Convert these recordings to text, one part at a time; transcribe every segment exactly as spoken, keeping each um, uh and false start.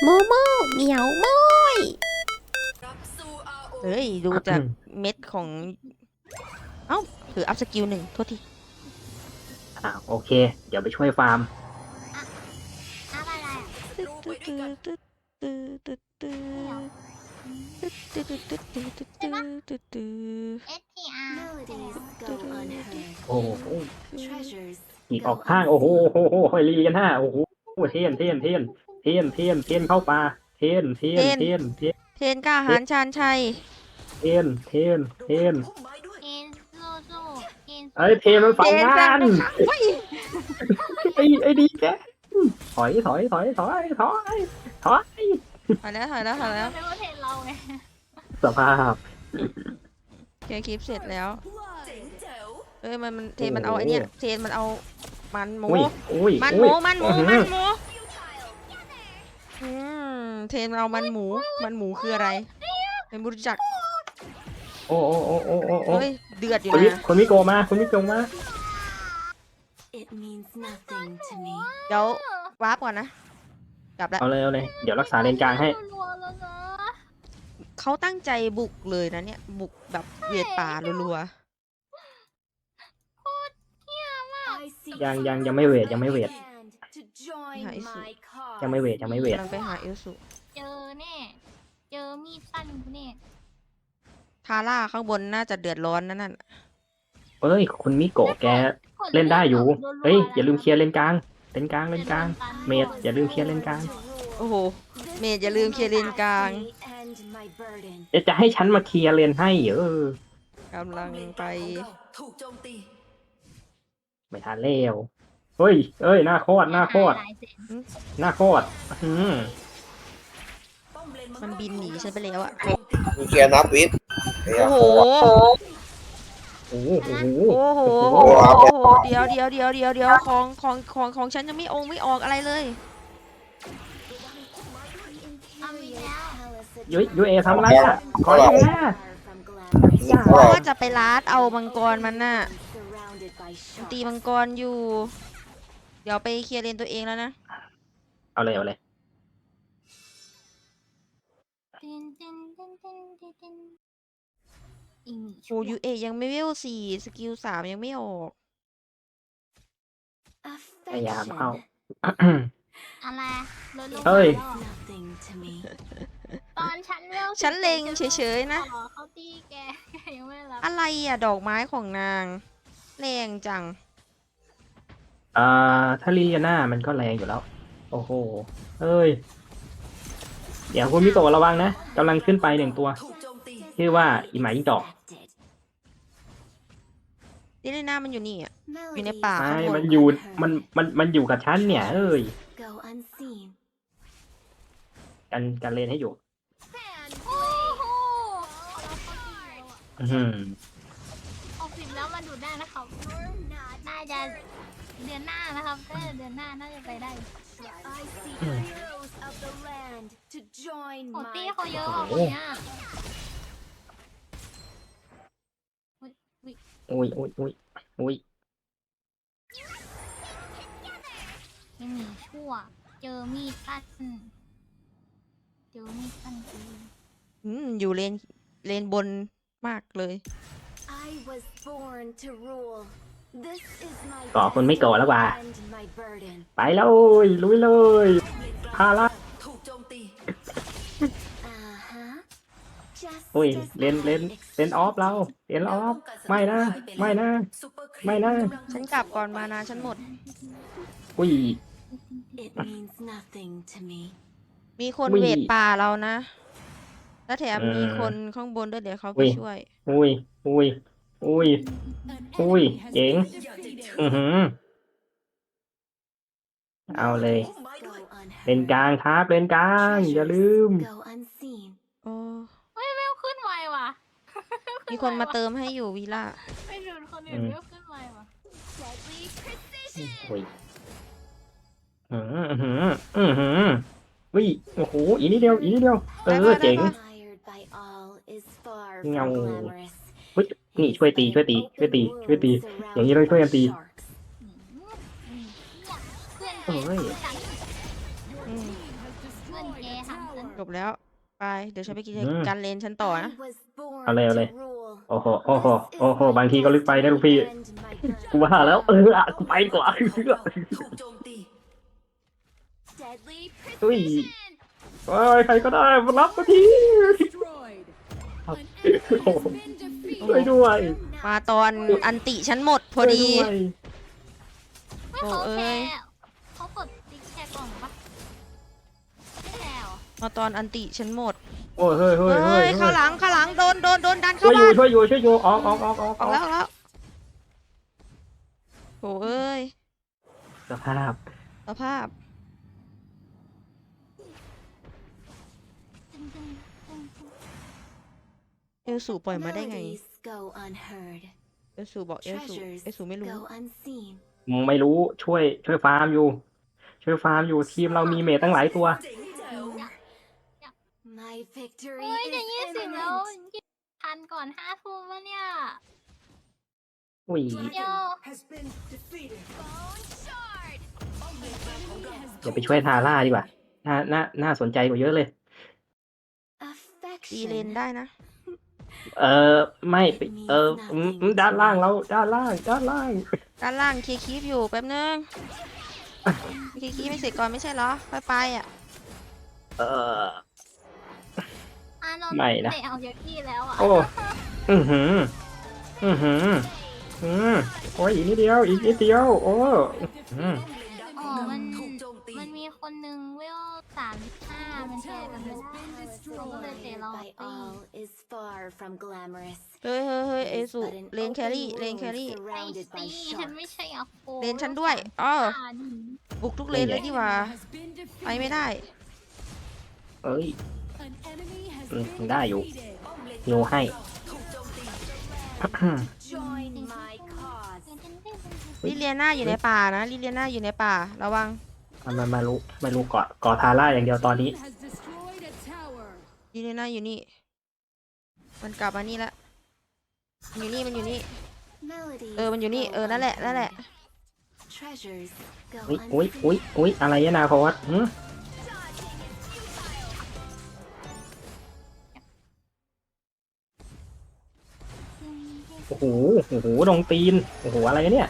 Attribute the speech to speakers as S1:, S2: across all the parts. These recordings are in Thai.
S1: โมโมเหมียวโมยเฮ้ย ดูจากเม็ดของ เอ้าถืออัพสกิลหนึ่งโทษที
S2: อ่าโอเค เดี๋ยวไปช่วยฟาร์ม
S3: อัพอะไรอ่ะ
S1: ตึ๊ดตึ๊ดตึ๊ดตึ๊ดตึ๊ดตึ๊ดตึ๊ดตึ๊ดตึ๊ดตึ๊ดตึ๊ดตึ๊ดตึ๊ดตึ๊ด
S3: เอส ที อาร์
S4: Melodies go unheard.
S2: โอ้โห
S4: Treasures
S2: อีกออกข้างโอ้โหโอ้โหหอยลีกันห้าโอ้โหเทียนเทียนเทียนเทียนเทียนเทียนเข้าป่าเทียนเทียนเทียนเทียน
S1: เทนกล้าหาญชาญชัย
S2: เทียนเทียนเทียน
S3: เอ็นสู้สู้เอ็น
S2: เอ้ยเทียนมันฝัง
S1: เทน
S2: งา
S1: จัง
S2: น
S1: เฮ้ย
S2: ไอ้ไอ้ดีแกถอยถอยถอยถอยถอยถอย
S1: ถอยแล้วถอยแล้วถอยแล้ว
S3: ไม่ว่าเทนเราไง
S2: สภาพ
S1: เคลียร์คลิปเสร็จแล้ว เอ้ยมันมันเทนมันเอาไอ้เนี่ยเทนมันเอามันหมู
S2: อุ้ยอุ้ย
S1: มันห
S2: อุ้
S1: มู
S2: ย
S1: มันหมู
S2: อื้อ
S1: มัน
S2: หือ
S1: หมูอืมเทนมันเอามันหมู มันหมูคืออะไรเป็นบุรุจัก
S2: โอ้โอ้โอ้โอ้โอ้โอ้
S1: เฮ้ยเดือดอยู่
S2: คนวิ
S1: นะ
S2: คนวิโกมาคนวิโกมา
S4: it means nothing to me.
S1: เดี๋ยววาร์ปก่อนนะ กลับแล้ว
S2: เอาเลยเอาเลยเดี๋ยวรักษาเลนกลางให้
S3: รัวๆแล้วนะ
S1: เขาตั้งใจบุกเลยนะเนี่ย บุกแบบเวียดป่ารัว
S4: I see
S2: ยังยังยังไม่เวทยังไม่เวท
S4: land to join
S1: Hãy
S4: my
S2: ยังไม่
S4: cause.
S2: เวทยังไม่เว
S1: ๆ
S2: ท
S1: กำลังไปหาเอลสุ
S3: เจอแน่เจอมีดสั้นกูแน่
S1: ทาร่าข้างบนน่าจะเดือดร้อนนั่นน่ะ
S2: เอ้ยคุณมิโกะแกเล่นได้อยู่ เฮ้ยอย่าลืมเคลียร์เลนกลางเลนกลางเลนกลางเมดอย่าลืมเคลียร์เลนกลาง
S1: โอ้โห เมย์อย่าลืมเคลียร์เลนกลาง
S4: And my burden.
S2: จะจะให้ฉันมาเคลียร์เลนให้เออก
S1: ำลังไป
S5: ถูกโจมตี
S2: ไม่ทันแล้วเฮ้ยเอ้ยหน้าโคตรหน้าโคตร
S3: หลายเซน
S2: หน้าโคตรอืม
S5: ป้อมเลน
S1: มันบินหนีฉันไปแล้วอะ
S6: มีเคลียร์นับวิทย์เฮีย
S1: โอ้โห
S2: โอ้โหโอ้โห
S1: โอ้โห
S2: โอ้
S1: โอ้
S2: โห
S1: โหโอ้โห เดี๋ยวเดี๋ยวเดี๋ยวเดี๋ยวเดี๋ยวของของของของฉันยังไม่องค์ไม่ออกอะไรเลย
S3: เอาอีกแล้ว
S2: ยุยยุยเอทำอะไรอ่ะขออย่างนี้
S1: เพราะว่าจะไปลาดเอามังกรมันน่ะ ตีมังกรอยู่ เดี๋ยวไปเคลียร์เลนตัวเองแล้วนะ
S2: เอาเลยเอาเลย
S3: ตินตินตินตินตินตินอีหมี
S1: โอ้ยูเอยังไม่เวลสี่สกิลสามยังไม่ออก
S2: พยายามเข้า
S3: อะไรลดลง
S2: เฮ้ย
S3: มาแล้ว
S4: Nothing to me.
S3: ตอนฉันเวล
S1: ฉันเล็งเฉยๆนะ
S3: ขอเขาตีแกแกยังไม่รับ
S1: อะไรอ่ะ ดอกไม้ของนาง แรงจัง
S2: อ่าถ้าลียาน่ามันก็แรงอยู่แล้ว โอ้โหเอ้ย เดี๋ยวคุณมิโกะระวังนะกำลังขึ้นไปหนึ่งตัว
S5: ถูกโจมตี
S2: ชื่อว่าอีหมายิ่งจอก
S1: ดิเลน่ามันอยู่นี่อ่ะ อยู่ใน
S4: Melodies
S1: ป่า
S2: ไม่
S1: ข้างบ
S2: มัน นอยู่มันมันมันอยู่กับฉันเนี่ย เอ้ย
S4: go unseen.
S2: กันกันเลนให้อยู่
S3: โอ้โหเราเข้าตีแล้วอะ
S2: อื้อหือ
S3: ออกสิบแล้วมันดูดได้นะครับน่าจะเดือนหน้านะครับถ้าเดือนหน้าน่าจะไปได้
S4: I see heroes of the land to join
S3: โอ้
S4: my
S3: ตี้เขาเยอะกว่า
S2: โอ้
S3: คน
S2: โห
S3: เนี้ย
S2: อุ้ยอุ้ยอุ้ยอุ้ย
S3: ยังหนีชั่ว เจอมีดสั้นเจอมีดสั้นจริง
S1: อืมอยู่เลน เลนบนมากเลย
S4: I was born to rule. This is my
S2: ก่อคุณไม่โกะแล้วว่ะ
S4: and my burden.
S2: ไปแล้วเว้ยลุยเลยพาละ
S5: ถูกโจมตี
S4: Uh-huh. Just
S2: อุ้ย
S4: as
S2: เลนเลนเลนออฟเราเลนออฟไม่นะ ไม่นะ
S5: ซุปเปอร์ครีป
S2: ไม่นะ
S1: ฉันกลับก่อนมานะฉันหมด
S2: อุ้ย
S4: it means nothing to me.
S1: มีคน
S2: อุ้ย
S1: เวทป่าเรานะ แล้วแถม
S2: อืม
S1: มีคนข้างบนด้วยเดี๋ยวเขา
S2: อุ้
S1: ไป
S2: ย
S1: ช่วย
S2: อุ้ยอุ้ยอุ้ยอุ้ยเจ๋งอือหือเอาเลย
S4: Go
S2: เลนกลางครับเลนกลาง อย่าลืม
S4: Go unseen.
S1: โอ้
S3: เฮ้ยเวลขึ้นไวว่ะ
S1: มีคนมาเติมให้อยู่วีล่า
S3: ไปดูคนอื่น
S2: อืม
S3: เวลขึ้นไวว่ะ
S2: อุ้ยอือหืออือหืออุ้ยโอ้โหอีกนิดเดียวอีกนิดเดียวเออเจ๋ง
S4: Admired by all is far from
S2: Ngầu.
S4: glamorous.
S2: เฮ้ยนี่ช่วยตีช่วยตีช่วยตีช่วยตี อย่างนี้ต้องช่วยกันตี
S3: อืมอืมเพื่อนแก
S2: โอ้ย
S3: เพื่อนฉัน
S1: อืม
S3: เพื่อนนเกย์หันเติ้ล
S1: จบแล้วไปเดี๋ยวฉันไปกิน
S2: อืม
S1: การเลนฉันต่อนะ
S4: I was born
S2: เอาเลยเอาเลย
S4: to rule.
S2: โอ้โห โอ้โห
S4: This is
S2: โอ้โห
S4: my
S2: บางทีก็ลึกไปนะลูกพี่
S4: destiny and my
S2: กู
S4: birth.
S2: ว่าแล้ว เอออะกูไปดีกว่า
S5: ถูกโจมตี
S4: Deadly
S2: อุ้ย
S4: precision.
S2: เฮ้ยใครก็ได้มารับมาทีครับโอ้โหช่วยด้วย
S1: มาตอนอันติฉันหมดพอดี
S2: ช่วยวย
S3: ไม่
S1: โอ้
S3: เขา
S1: เอ้
S3: แค่
S1: ย
S3: เขากดติ๊กแชร์กล่องปะไม่แชร์เหรอ
S1: มาตอนอันติฉันหมด
S2: โอ้ยเฮ้ยเฮ้ย
S1: เฮ้
S2: เฮ้
S1: ย
S2: ย
S1: ข้างหลังข้างหลังโดนโดนโดนดัน
S2: ช่
S1: เข้า
S2: วยอยู่
S1: บ้าน
S2: ช่วยอยู่ช่วยอยู่ออกออกออกออก
S1: ออกแล้วออกแล้วโถเอ้ย
S2: สภาพ
S1: สภาพ
S3: ตึ้งตึ้งตึ้งตึ้ง
S1: เอลสูปล่อยมาได้ไง
S4: Melodies go unheard.
S1: เอลสูบอกเอลสู
S4: Treasures
S1: เอลสูไม่รู้
S4: go unseen.
S2: ไม่รู้ช่วยช่วยฟาร์มอยู่ ช่วยฟาร์มอยู่ทีมเรามีเมทตั้งหลายตัว
S5: เจ๋งแจ๋ว
S4: My victory
S3: เฮ้ย
S4: is
S3: จะยี่สิบแล้ว
S4: imminent.
S3: ยี่ทันก่อนห้าทุ่มวะเนี่ย
S2: อุ้ย
S3: เดี๋ยว
S5: has been defeated
S4: Bone shard.
S2: อย่าไปช่วยทาร่าดีกว่า น่า น่า น่าสนใจกว่าเยอะเลย
S1: ตีเลน
S4: Affection.
S1: ได้นะ
S2: เออไม่ไปเอออืมอืมด้านล่างเราด้านล่าง ด้านล่าง
S1: ด้านล่างเคลียร์คีฟอยู่แป๊บนึงเคลียร์คีฟไม่เสร็จก่อนไม่ใช่เหรอค่อยไปอ่ะ
S2: เออ
S3: อานนท์
S2: ไม่นะ
S3: เตะเอาเยอะที่แล้วอ่ะ
S2: โอ้ อือหือ อือหือ อืมโอ้ยอีกนิดเดียว อีกนิดเดียว โอ้อืม
S3: อ๋อมัน
S5: ถูกโจมตี
S3: มันมีคนนึงเวลสามสิบห้ามันแชร์กันไม่ได้เขาก็เลยเตะเรา
S4: By
S3: ตี
S4: all is far from glamorous.
S1: เฮ้ยเฮ้ยเฮ้ย
S4: It
S1: เอ
S4: is
S1: สู
S4: but an
S1: เลนแครี่
S4: open
S1: เลนแค
S4: wound
S1: รี่
S3: ไอ้
S4: surrounded by
S3: ซีฉันไม่
S4: sharks.
S3: ใช่อะโค
S1: เลนฉันด้วยอ๋อ
S3: อ่าดิ
S1: บุกทุกเลนเลยดีกว่าไปไม่ได้
S2: เอ้ยอืมได้อยู่
S5: ป้อมเลน
S2: โยให้
S5: ถูกโจมตี
S4: Join my cause.
S1: ลิเลียนาอยู่ในป่านะลิเลียนาอยู่ในป่าระวัง
S2: มันมามารู้ไม่รู้เกาะเกาะทาร่าอย่างเดียวตอนนี้
S1: ลิเลียนาอยู่นี่ มันกลับมานี่ละอยู่นี่มันอยู่นี่
S4: Melodies
S1: เออมันอยู่นี่เออนั่นแหละนั่นแหละ
S4: unheard. Treasures go
S2: อุ้ยอุ้ย
S4: unseen.
S2: อุ้ยอุ้ยอะไรเนี่ยนาพวัตหืมโอ้โห โอ้โหดงตีน โอ้โห อะไรเนี่ย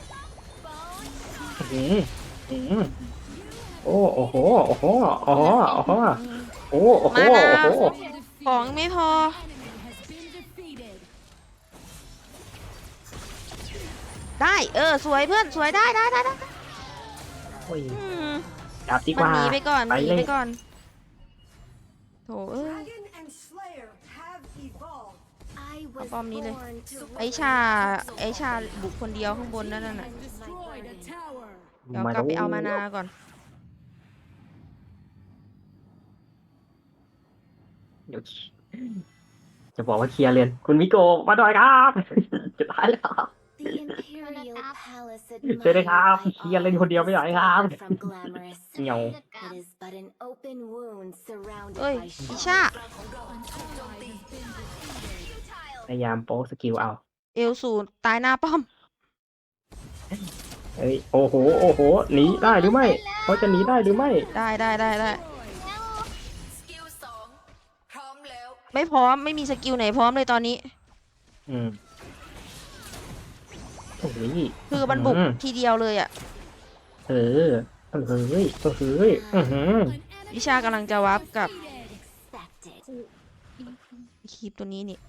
S2: อืมอืมโอ้ โอ้โห โอ้โห โอ้โห โอ้โห โอ้โห โอ้โห
S1: มานะ
S2: โอ้โห
S1: ของไม่พอ ได้เออสวยเพื่อนสวยได้ได้ได้ได้
S2: โอ้ย
S1: อืม
S2: จับดีก
S1: มัน
S2: ว่า
S1: หนีไปก่อนมันหนี
S2: เล
S1: ไป
S2: ย
S1: ก่อนโถเอ้ย
S5: Dragon and Slayer have evolved
S4: I was
S1: ป้อมนี้เลย
S4: born to
S1: ไอชาไอชาบุกคนเดียวข้างบนนั่นน่ะ
S4: rule my burden.
S1: เดี๋ยวกลับไปเอามานาก่อน
S2: เดี๋ยวจะบอกว่าเคลียร์เลนคุณมิโกะมาหน่อยครับ จะตายแล้ว
S4: The imperial palace
S2: ช่วยด้วยครับ
S4: admired
S2: เคลียร์เลน
S4: by
S2: คนเดียวไม่ไหว
S4: all
S2: ครับ
S4: is far from glamorous.
S2: เหงา
S3: จัดการ
S4: It is but an open wound surrounded
S1: เอ้ย
S4: by
S1: อิ
S4: sharks.
S1: ชา
S5: ของเราถูกโจมตี
S2: พยายามโป๊สกิลเอา
S1: เอลสูตายหน้าป้อม
S2: เฮ้ย โอ้โห โอ้โห หนีได้หรือไม่ เขาจะหนีได้หรือไม่
S1: ได้ได้ได้ได้
S5: สกิลสองพร้อมแล้ว
S1: ไม่พร้อมไม่มีสกิลไหนพร้อมเลยตอนนี้
S2: อืมโอ้ย
S1: คือมันบุก
S2: อืม
S1: ทีเดียวเลยอ่ะ
S2: เออเออเฮ้ยเออเฮ้ยอือหือ
S1: วิชากำลังจะวับกับ
S4: Expected.
S1: คีปตัวนี้นี่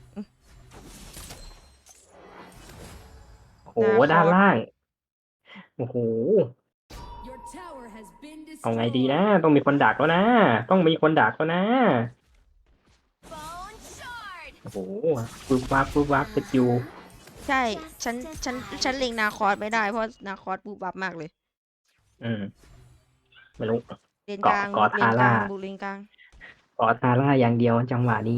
S2: โอ้โห ด้านล่าง โอ้โห เอาไงดีนะ ต้องมีคนดักแล้วนะ ต้องมีคนดักแล้วนะ
S4: Bone shard.
S2: โอ้โหปุ๊บวับปุ๊บวับสกิล
S1: ใช่ฉันฉันฉันเล็งนาคอสไม่ได้เพราะนาคอสบูบับมากเลย
S2: อืม ไม่รู้
S1: เลนกลาง
S2: เกาะ
S1: บุกเลนกลาง
S2: ทาร่า
S1: บุกเลนกลาง
S2: กอทาร่าอย่างเดียวจังหวะนี้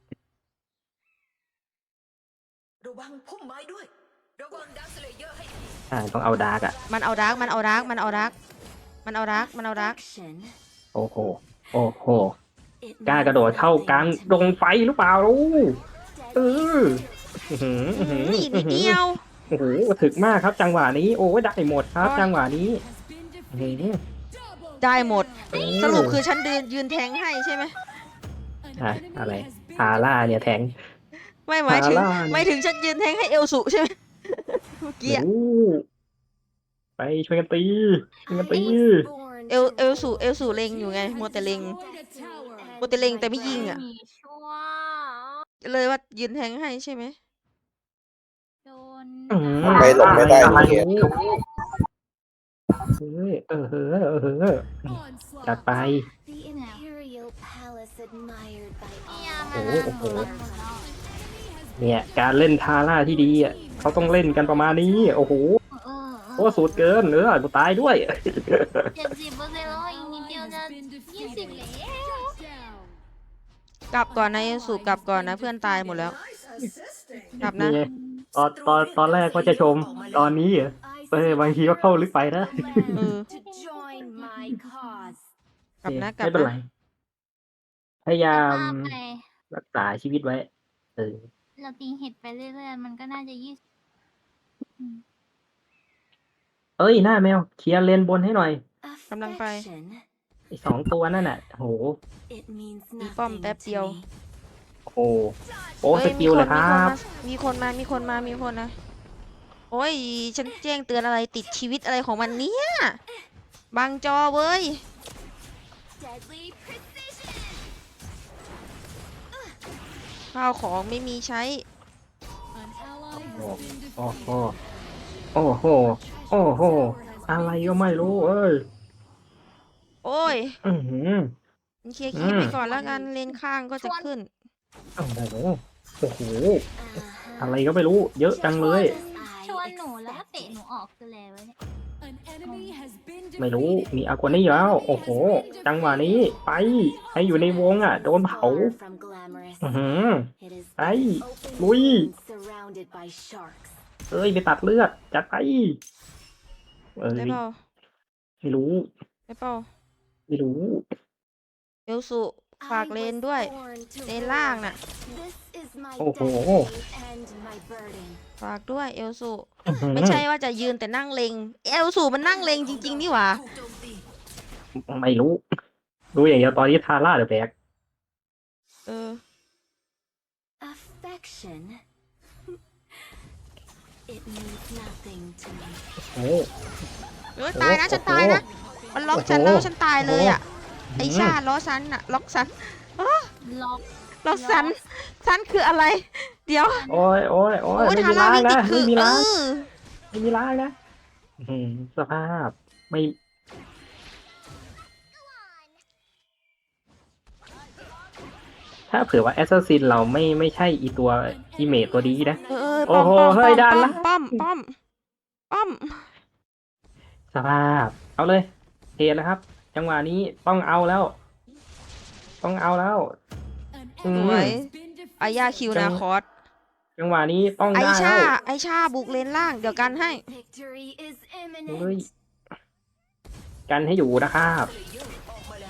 S5: ระวังพุ่มไม้ด้วย ระวังดาวสเลเยอร์ให้ดี
S2: ใช่ต้องเอาดาร์กอ่ะ
S1: มันเอาดักมันเอาดักมันเอาดักมันเอาดักมันเอาดัก
S4: Affection.
S2: โอ้โห โอ้โห
S4: It
S2: กล้ากระโดด
S4: means
S2: เข้ากลาง
S4: nothing to
S2: ด
S4: me.
S2: งไฟหรือเปล่าลูกเอ
S4: Deadly
S2: ออื้อหืออื้อหือ
S1: นี่นิ
S2: อื้
S1: ด
S2: อหื
S1: เดี
S2: อ
S1: ยว
S2: โอ้โหถึกมากครับจังหวะนี้ โอ้ยได้หมดครับ
S1: โอ้ย
S2: จังหวะนี้อื้อหือ
S1: ได้หมด
S2: เออ
S1: สรุปคือฉันเดินยืนแทงให้ใช่ไหม
S2: อะอะไรทาร่าเนี่ยแทง
S1: ไม่หมายถึง
S2: ฮาร่าเนี่ย
S1: หมายถึงฉันยืนแทงให้เอลสุใช่ไหมเมื่อกี้อะ
S2: โอ้ไปช่วยกันตีช่วยกันตี
S1: เอลเอลสุเอลสุเล็งอยู่ไงมัวแต่เล็ง โมเตเล็งแต่ไม่ยิงอะ
S3: มีชั่ว
S1: เลยว่ายืนแทงให้ใช่ไหม
S3: โดน
S2: อื้อหือ
S6: ไม่หลบไม่ได้
S2: อะไร
S6: เขียน
S2: เฮ้ยเออเฮ้อเออเฮ้อจัดไป
S4: The Imperial Palace admired by
S3: เนี่ย
S4: all.
S3: มัน
S2: โอ้โห
S3: มันหมดแล้ว
S2: เนี่ยการเล่นทาร่าที่ดีอ่ะเขาต้องเล่นกันประมาณนี้ โอ้โห
S3: เออ
S2: โอ้สูตรเกินเนื้อกูตายด้วย
S3: เจ็ดสิบเปอร์เซ็นต์แล้วอีกนิดเดียวจะยี่สิบแล้ว
S1: กลับก่อนนะเอลสุกลับก่อนนะเพื่อนตายหมดแล้ว กลับนะ
S2: นี่ไงตอนตอนตอนแรกก็จะชม ตอนนี้เหรอ
S4: I
S2: เออบางทีก็เข้าลึกไปนะ
S1: เออ
S4: to join my cause.
S1: กลับนะกลับ
S2: ไม่เป็นไร
S1: นะ
S2: พยายาม
S3: ว่าไป
S2: รักษาชีวิตไว้ เออ
S3: เราตีเห็ดไปเรื่อยๆ มันก็น่าจะยี่สิบ
S2: เอ้ยหน้าแมวเคลียร์เลนบนให้หน่อย
S1: กำลังไป
S4: Affection.
S2: ไอ้สองตัวนั่นน่ะโห
S4: It means
S1: มีป้อม
S4: nothing
S1: แป๊บ
S4: to
S1: เดียว
S4: me.
S2: โอ้โหโอ้ส
S1: เฮ้ย
S2: กิลเลยครับ
S1: มีคนมา มีคนมา มีคนมา โอ้ย ฉันแจ้งเตือนอะไรติดชีวิตอะไรของมันเนี่ยบังจอเว้ย
S4: Deadly precision.
S1: ข้าวของไม่มีใช้
S2: โอ้โห โอ้โห โอ้โห อะไรก็ไม่รู้เอ้ย
S1: โอ้ย
S2: อือหือ
S1: เคลียร์คลิป
S2: อืม
S1: ไปก่อนแล้วกัน เลนข้างก็จะขึ้น
S2: โอ้โห โอ้โห
S4: Uh-huh.
S2: อะไรก็ไม่รู้ เยอะจังเลย
S3: ชวนหนูแล้วก็เตะหนูออกคืออะไรวะเนี่ย
S2: ไม่รู้ มีอากวานี่แล้ว โอ้โห จังหวะนี้ ไป ให้อยู่ในวงอ่ะ โดนเผา
S4: Far from glamorous.
S2: อือหือ
S4: It is
S2: ไป
S4: open
S2: ลุย
S4: wounds surrounded by sharks.
S2: เอ้ย ไปตัดเลือด จัดไป เอ้ย
S1: ได้เปล่า
S2: ไม่รู้
S1: ได้เปล่า
S2: ไม่รู้
S1: เอลสุฝาก
S4: I
S1: เลน
S4: was
S1: ด้วย
S4: born to
S1: เลนล่าง
S4: rule.
S1: น่ะ
S4: This is my
S2: โอ้โห
S4: destiny and my burden.
S1: ฝากด้วยเอลสุ
S2: อื้อหือ
S1: ไม่ใช่ว่าจะยืนแต่นั่งเลงเอลสุมันนั่งเลงจริง ๆ นี่หว่า
S5: ถูกโจมตี
S2: ไม่รู้ รู้อย่างเดียวตอนนี้ทาร่าเดอะแบก
S1: เออ
S4: Affection. It means nothing to me.
S2: โอ้
S1: เอ้ยตายนะฉันตายนะ มันล็อกฉันแล้วฉันตายเลยอ่ะ ไอชาล้อฉันอ่ะ ล็อกฉัน
S3: ล็อก
S1: ล็อกฉันฉันคืออะไร เดี๋ยว
S2: โอ้ยโอ้ยโอ้ย
S1: โอ้ย
S2: ไม่
S1: ทา
S2: มี
S1: ร่า
S2: ล้าง
S1: วิ่งติ
S2: นะ
S1: ดคื
S2: ไม่
S1: อ
S2: มี
S1: เอ
S2: ล้าง
S1: อ
S2: ไม่มีล้างนะอื้อหือสภาพ ไม่ ถ้าเผื่อว่าแอสซัสซินเราไม่ไม่ใช่อีตัวอีเมจตัวดีนะ
S1: เออเออ
S2: โอ้
S1: ป้อม
S2: โห
S1: ป้อม
S2: เฮ้ย
S1: ป้อม
S2: ดันละ
S1: ป้อมป้อมป้อม
S2: สภาพ เอาเลยเทนะครับ จังหวะนี้ต้องเอาแล้ว ต้องเอาแล้ว อื
S1: ส
S2: ม
S1: วยอายาคิวนาคอส
S2: จังหวะนี้ต้อง
S1: ไอ
S2: ได้
S1: ชา
S2: แล้ว
S1: ไอชาบุกเลนล่าง เดี๋ยวกันให้
S4: Victory is
S2: เฮ้ย
S4: imminent.
S2: กันให้อยู่นะครับ
S5: เพลเยอร์ออกมาแล้ว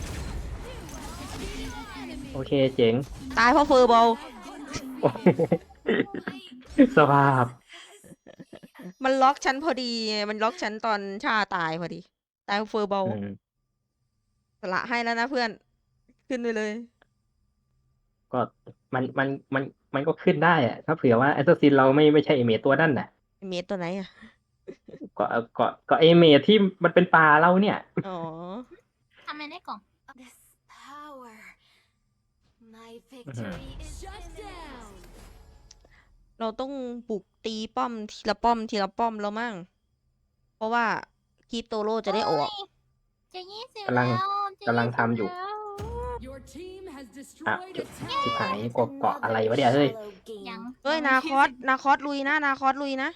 S2: โอเคเจ๋ง
S1: ตายเพราะเฟอร์บอล
S2: โอ้โหสภาพ
S1: มันล็อกฉันพอดีไงมันล็อกฉันตอนชาตายพอดี ตายเพราะเฟอร์บอล
S2: อืม
S1: สละให้แล้วนะเพื่อน ขึ้นไปเลย
S2: ก็มันมันมันมันก็ขึ้นได้อะถ้าเผื่อว่าแอสซัสซินเราไม่ไม่ใช่เอเมจตัวนั่นน่ะ
S1: เมตตัวไหนอ่ะ
S2: ก็ก็ก็เอเมจที่มันเป็นป่าเราเนี่ย
S1: อ๋อ
S3: ทำไมได้กล่อง
S4: This power. My victory is imminent.
S1: เราต้องบุกตีป้อมทีละป้อมทีละป้อมแล้วมั่ง เพราะว่าคลิปโตโร่จะได้ออก
S3: จะยี่สิบ
S2: กำลัง
S3: แล้วจะ
S2: กำลังทำอยู่
S3: แล้ว
S2: อ่ะจุดสิบหายกเกาะอะไรวะเนี่ยเฮ้ย
S4: Shallow
S3: ยัง
S4: game.
S1: เฮ้ย นาคอส นาคอสลุยนะ นาคอสลุยนะ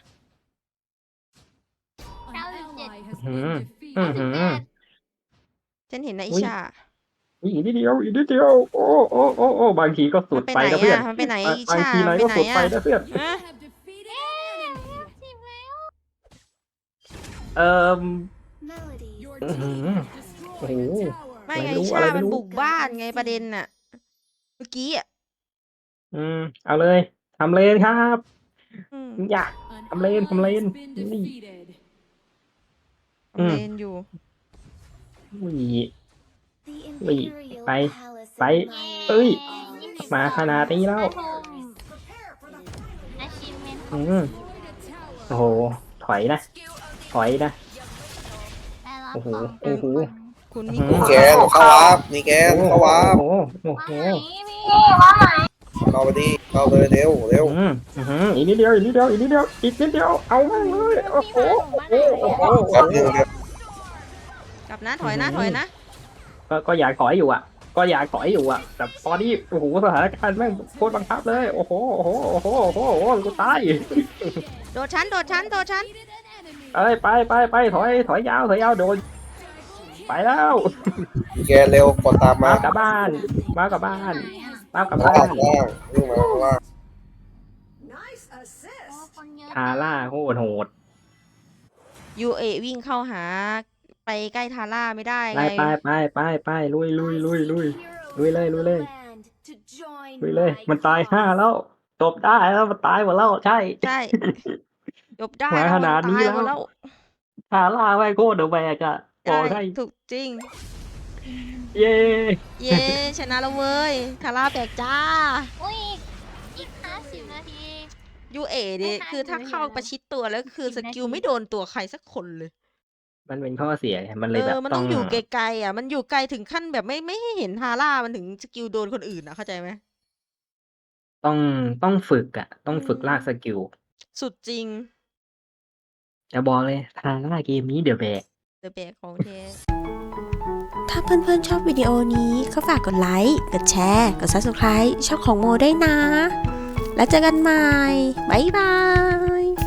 S3: เก้าสิบเจ็ด
S2: อืมอืมอืม
S1: ฉันเห็นนะอิ
S2: อุ๊ย
S1: ชา
S2: อีกนิดเดียวอีกนิดเดียวโอ้โอ้โอ้โอ้บางทีก็สุ
S1: มั
S2: ด
S1: นไป
S2: ไป
S1: ไหน
S2: นะเพื่อน
S1: อ่ะ มันไปไหน
S2: บาง
S1: อิ
S2: บาง
S1: ชา
S2: ทีนาย
S1: ไป
S2: ก็
S1: ไหน
S2: สุดไป
S1: อ่ะ
S2: นะเพื่อน
S1: ฮะ
S3: สิบแล้ว
S2: เอ่อ
S4: Melody.
S2: อื้อหือโอ้โห
S1: ไม่ไง
S2: ไม่รู้
S1: อิ
S2: อะไร
S1: ชา
S2: ไม่
S1: มัน
S2: รู้
S1: บุกบ้านไงประเด็นน่ะ เมื่อกี้อ่ะ
S2: อืมเอาเลยทำเลนครับ
S1: อืม
S2: อยากทำเลนทำเลนนี่ อืม
S1: ทำเลนอยู่
S2: อุ้ย
S4: The
S2: Wait,
S4: Imperial
S2: bye,
S4: Palace
S2: bye.
S4: admires
S2: Ơi,
S4: all
S2: มาขนาดนี้แล้ว
S3: ทุ่ม achievement
S2: อืมโอ้โห ถอยนะ ถอยนะ
S3: ได้รับ
S2: โอ้โห
S3: ของ
S2: โอ้โห
S1: คุณ
S2: อื
S1: มิ
S2: ม
S1: โก
S6: มีแกนเข้าวาร์ปมีแกน
S2: โอ้โห
S6: เข้าวาร์ป
S2: โอ้โหโอ้โห
S3: ว่าไหนพี่ว่าไหน
S6: เข้าไปดิเข้าไปเร็วเร็ว
S2: อืมอืมอีกนิดเดียว อีกนิดเดียว อีกนิดเดียว อีกนิดเดียว เอาแม่งเลย โอ้โห โอ้โห โอ้โห
S6: แป๊บนึงเดี๋ยว
S1: กลับนะถอยนะถอยนะ
S2: ก็ ก็อยากถอยอยู่อ่ะ ก็อยากถอยอยู่อ่ะ แต่ตอนนี้ โอ้โห สถานการณ์แม่งโคตรบังคับเลย โอ้โห โอ้โห โอ้โห โอ้โห โอ้โห กูตาย
S1: โดดชั้นโดดชั้นโดดชั้น
S2: เอ้ย ไปไปไปถอย ถอยยาว ถอยยาว โดน ไปแล้ว
S6: มีแกนเร็วกดตาม
S2: มา
S6: มา
S2: กลับบ้าน มากลับบ้าน มากลับ
S6: ล่า
S2: บ้าง น
S6: ล่างวิ่งมาข้างล่าง
S5: Nice
S3: โอ้
S5: assist
S3: คนเยอะ
S2: ทาร่าโคตรโหด
S1: ยูเอวิ่งเข้าหา ไปใกล้ทาร่าไม่ได้
S2: ไป
S1: ไง
S2: ไปไปไปไปลุยลุยลุยลุย
S4: heroes
S2: Lui lên,
S4: of
S2: lui
S4: the
S2: lên.
S4: land to join
S2: ลุยเลย
S4: my
S2: มันตาย
S4: cause.
S2: ห้าแล้วจบได้แล้วมันตายหมดแล้วใช่
S1: ใช่จบได้
S2: มา
S1: แล้ว
S2: ข
S1: มัน
S2: นาดนี้
S1: ตาย
S2: แล้ว
S1: หมดแล้ว
S2: ทาร่าไว้โคตรเดอะแบกอะบ
S1: ใช่
S2: อกให้
S1: ถูกจริง
S2: เย้
S1: เย้ชนะแล้วเว้ยทาร่าแบกจ้า
S3: อุ้ยอีกห้าสิบนาที
S1: ยูเอดิ
S3: ไม่ทัน
S1: คือถ้า
S3: เลย
S1: เข้า
S3: เหรอ
S1: ประชิดตัวแล้วคือ
S3: สิ
S1: ส
S3: บนาที
S1: กิลไม่โดนตัวใครสักคนเลย
S2: มันเป็นข้อเสียไงมันเล
S1: เอย
S2: แบบ
S1: อ มัน
S2: ต้
S1: ต้
S2: อ
S1: อง งอยู่ไกลๆอ่ะ มันอยู่ไกลถึงขั้นแบบไม่ไม่ให้เห็นทาร่ามันถึงสกิลโดนคนอื่นอ่ะเข้าใจไหม
S2: ต้องต้องฝึกอะต้องฝึก
S1: อืม
S2: ลากสกิล
S1: สุดจริง
S2: จะบอกเลยทาร่าเกมนี้เดอะแบก
S1: เดอะแบกของแท้
S7: ถ้าเพื่อนๆชอบวิดีโอนี้ก็ฝากกดไลค์ กดแชร์ กด ซับสไครบ์ ช่องของโมได้วยนะ แล้วเจอกันใหม่ บ๊ายบาย